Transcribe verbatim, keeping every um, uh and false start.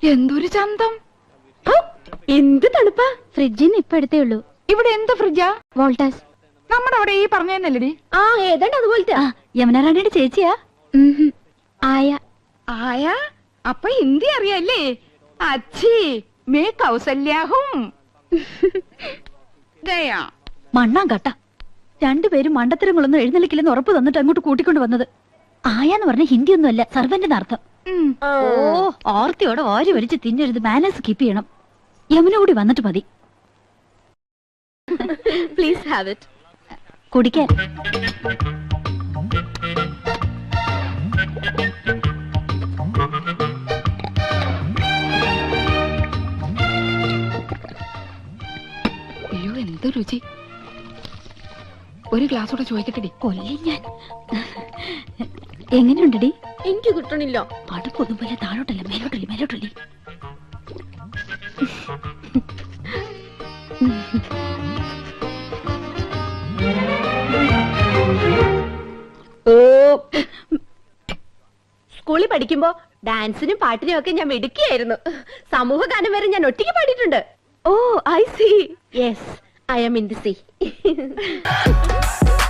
എന്തൊരു ചന്തം. എന്ത് തണുപ്പാ. ഫ്രിഡ്ജിന്ന് ഇപ്പൊ എടുത്തേ ഉള്ളൂ. ഇവിടെ എന്ത് ഫ്രിഡ്ജാ? വോൾട്ടാസ്. നമ്മുടെ അവിടെ ഈ പറഞ്ഞതന്നല്ലടി? ആ ഏതാണ്ട് അതുപോലത്തെ. യമുന റാണിയുടെ ചേച്ചിയാ. ആയ. ആയ? അപ്പൊ ഹിന്ദി അറിയാല്ലേ? അച്ഛി മേ കൗസല്യാഹും. ഗയാ മണ്ണാൻ കട്ട. രണ്ടുപേരും മണ്ടത്തരങ്ങളൊന്നും എഴുന്നള്ളിക്കില്ലെന്ന് ഉറപ്പ് തന്നിട്ട് അങ്ങോട്ട് കൂട്ടിക്കൊണ്ട് വന്നത്. ആയാന്ന് പറഞ്ഞ ഹിന്ദി ഒന്നും അല്ല, സർവന്റിന്റെ അർത്ഥം. ഓ ഓർത്തിയോടെ ഓരി വലിച്ച് തിന്നരുത്. മാനേഴ്സ് കീപ്പ് ചെയ്യണം. യമുന കൂടി വന്നിട്ട് മതി. Please have it. കുടിക്കാൻ. അയ്യോ എന്ത് രുചി. ഒരു ഗ്ലാസ് കൂടെ ചോദിക്കട്ടെടി. കൊല്ലി ഞാൻ. എങ്ങനെയുണ്ടടി? എനിക്ക് കിട്ടണില്ല. പടപ്പൊന്നും പോലെ താഴോട്ടല്ലേ മേലോട്ടല്ലേ മേലോട്ടല്ലേ. സ്കൂളിൽ പഠിക്കുമ്പോ ഡാൻസിനും പാട്ടിനും ഒക്കെ ഞാൻ മിടുക്കിയായിരുന്നു. സമൂഹ ഗാനം വരെ ഞാൻ ഒറ്റയ്ക്ക് പാടിയിട്ടുണ്ട്. Oh I see. Yes I am in the see.